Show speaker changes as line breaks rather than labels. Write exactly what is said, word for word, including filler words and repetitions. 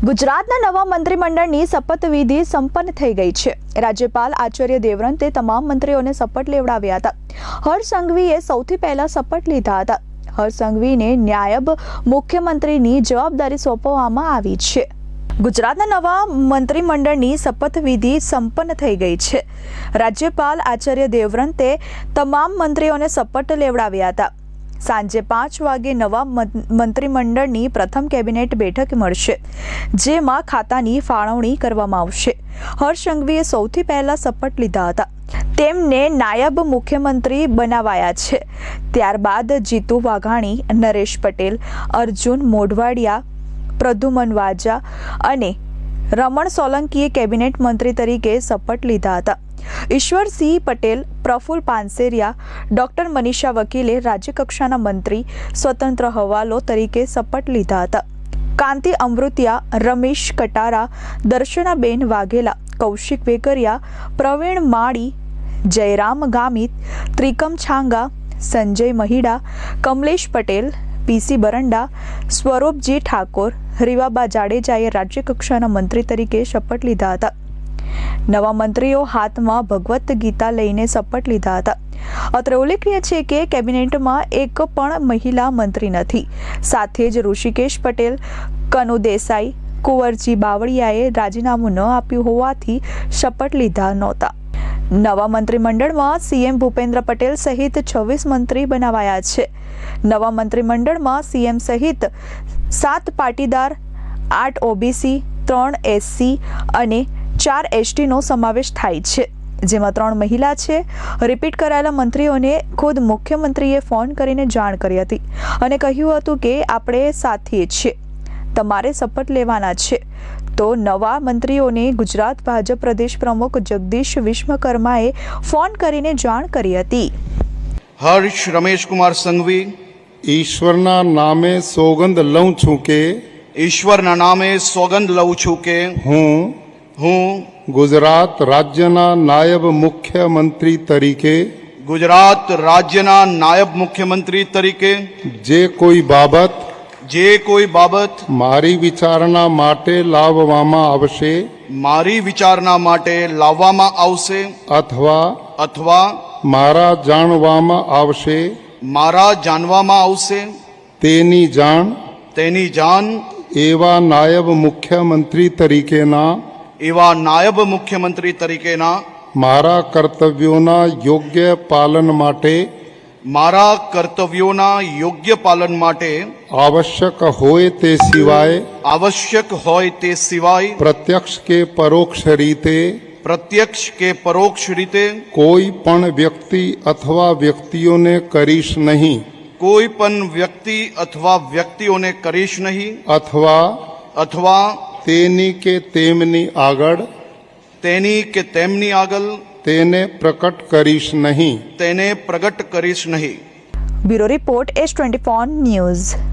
ગુજરાતના નવા મંત્રીમંડળની શપથવિધિ સંપન્ન થઈ ગઈ છે। રાજ્યપાલ આચાર્ય દેવવ્રતે તમામ મંત્રીઓને શપથ લેવડાવ્યા હતા। હર્ષ સંઘવીએ સૌથી પહેલા શપથ લીધા હતા। હર્ષ સંઘવીને નાયબ મુખ્યમંત્રીની જવાબદારી સોંપવામાં આવી છે। ગુજરાતના નવા મંત્રીમંડળની શપથવિધિ સંપન્ન થઈ ગઈ છે। રાજ્યપાલ આચાર્ય દેવવ્રતે તમામ મંત્રીઓને શપથ લેવડાવ્યા હતા। સાંજે પાંચ વાગે નવા મંત્રીમંડળની પ્રથમ કેબિનેટ બેઠક મળશે, જેમાં ખાતાની ફાળવણી કરવામાં આવશે। હર્ષ સંઘવીએ સૌથી પહેલા શપથ લીધા હતા। તેમને નાયબ મુખ્યમંત્રી બનાવાયા છે। ત્યારબાદ જીતુ વાઘાણી, નરેશ પટેલ, અર્જુન મોઢવાડિયા, પ્રદ્યુમન વાજા અને રમણ સોલંકીએ કેબિનેટ મંત્રી તરીકે શપથ લીધા હતા। ઈશ્વરસિંહ પટેલ, પ્રફુલ પાનસેરિયા, ડોક્ટર મનીષા વકીલે રાજ્યકક્ષાના મંત્રી સ્વતંત્ર હવાલો તરીકે શપથ લીધા હતા। કાંતિ અમૃતિયા, રમેશ કટારા, દર્શનાબેન વાઘેલા, કૌશિક વેકરિયા, પ્રવીણ માળી, જયરામ ગામિત, ત્રિકમ છાંગા, સંજય મહિડા, કમલેશ પટેલ, પીસી બરંડા, સ્વરૂપજી ઠાકોર, રીવાબા જાડેજાએ રાજ્યકક્ષાના મંત્રી તરીકે શપથ લીધા હતા। નવા મંત્રીઓ હાથમાં ભગવદ્ ગીતા લઈને શપથ લીધા હતા। અત્રે ઉલ્લેખનીય છે કે કેબિનેટમાં એક પણ મહિલા મંત્રી નથી। સાથે જ ઋષિકેશ પટેલ, કનુ દેસાઈ, કુંવરજી બાવળિયાએ રાજીનામું ન આપ્યું હોવાથી શપથ લીધા નહોતા। નવા મંત્રીમંડળમાં સીએમ ભૂપેન્દ્ર પટેલ સહિત છવ્વીસ મંત્રી બનાવાયા છે। નવા મંત્રીમંડળમાં સીએમ સહિત સાત પાટીદાર, આઠ ઓબીસી, ત્રણ એસસી અને ચાર એસટીનો સમાવેશ થાય છે, જેમાં ત્રણ મહિલા છે। રિપીટ કરાયેલા મંત્રીઓને ખુદ મુખ્યમંત્રીએ ફોન કરીને જાણ કરી હતી અને કહ્યું હતું કે આપણે સાથીએ છીએ, તમારે શપથ લેવાના છે। તો નવા મંત્રીઓને ગુજરાત ભાજપ પ્રદેશ પ્રમુખ જગદીશ વિશ્વકર્માએ ફોન કરીને જાણ કરી હતી।
હર્ષ રમેશ કુમાર સંઘવી,
ઈશ્વરના નામે સોગંદ લઉં છું કે
ઈશ્વરના નામે સોગંદ લઉં છું કે
હું
હું
ગુજરાત રાજ્યના નાયબ મુખ્યમંત્રી તરીકે
ગુજરાત રાજ્યના નાયબ મુખ્યમંત્રી તરીકે
જે કોઈ બાબત
જે કોઈ બાબત
મારી વિચારણા માટે લાવવામાં આવશે
મારી વિચારણા માટે લાવવામાં આવશે
અથવા
અથવા
મારા જાણવામાં આવશે
મારા જાણવામાં આવશે
તેની જાણ
તેની જાણ
એવા નાયબ મુખ્યમંત્રી તરીકેના
એવા નાયબ મુખ્યમંત્રી તરીકેના
મારા કર્તવ્યોના યોગ્ય પાલન માટે
મારા કર્તવ્યોના યોગ્ય પાલન માટે
આવશ્યક હોય તે સિવાય
આવશ્યક હોય તે સિવાય
પ્રત્યક્ષ કે પરોક્ષ રીતે
પ્રત્યક્ષ કે પરોક્ષ રીતે
કોઈ પણ વ્યક્તિ અથવા વ્યક્તિઓને કરીશ નહીં
કોઈ પણ વ્યક્તિ અથવા વ્યક્તિઓને કરીશ નહીં
અથવા
અથવા
તેની કે તેમની આગળ
તેની કે તેમની આગળ
તેને પ્રકટ કરીશ નહીં
તેને પ્રગટ કરીશ નહીં।
Bureau report S twenty four news.